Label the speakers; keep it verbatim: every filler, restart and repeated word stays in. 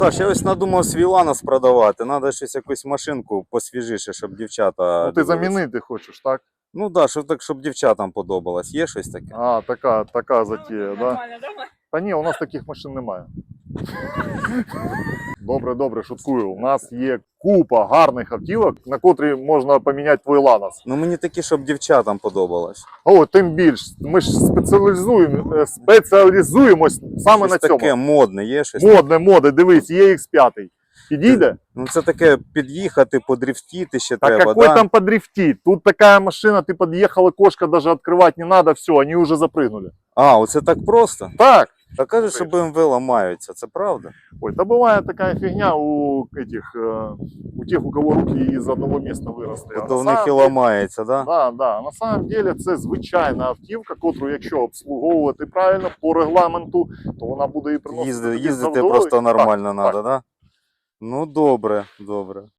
Speaker 1: Так, я ось надумав свій Ланос продавати. Треба щось якусь машинку посвіжіше, щоб дівчата.
Speaker 2: Ну ти
Speaker 1: дивились.
Speaker 2: замінити хочеш, так?
Speaker 1: Ну так, да, щоб так, щоб дівчатам подобалось. Є щось таке?
Speaker 2: А, така, така затія,
Speaker 3: Ну,
Speaker 2: да?
Speaker 3: нормально, давай.
Speaker 2: Та ні, у нас таких машин немає. Добре, добре, шуткую. У нас є купа гарних автівок, на котрі можна поміняти твій Ланос.
Speaker 1: Ну мені такі, щоб дівчатам подобалось.
Speaker 2: О, тим більш. Ми ж спеціалізуємо, е, спеціалізуємось саме
Speaker 1: Щось
Speaker 2: на цьому.
Speaker 1: таке модне, є щось?
Speaker 2: Модне, моди, дивись, є ікс п'ять. Підійде?
Speaker 1: Ну це таке під'їхати, подрифтіти ще
Speaker 2: Так
Speaker 1: треба,
Speaker 2: какой
Speaker 1: да?
Speaker 2: там подрифтить? Тут такая машина, ты подъехал, кошка даже открывать не надо, все, они уже запрыгнули.
Speaker 1: А, оце так просто?
Speaker 2: Так.
Speaker 1: Та кажуть, що Б М В ламаються, це правда?
Speaker 2: Ой, да бывает такая фигня у этих, э, у тех, у кого руки из одного места выросли. А
Speaker 1: То в
Speaker 2: на
Speaker 1: них і
Speaker 2: самом деле-
Speaker 1: ламається, да?
Speaker 2: Да, да. На самом деле це звичайна автівка, котру, якщо обслуговувати правильно по регламенту, то вона буде і приносити
Speaker 1: Їзди,
Speaker 2: тобі
Speaker 1: їздити
Speaker 2: задоволення.
Speaker 1: просто
Speaker 2: Так,
Speaker 1: нормально
Speaker 2: так.
Speaker 1: треба, да? Ну добре, добре.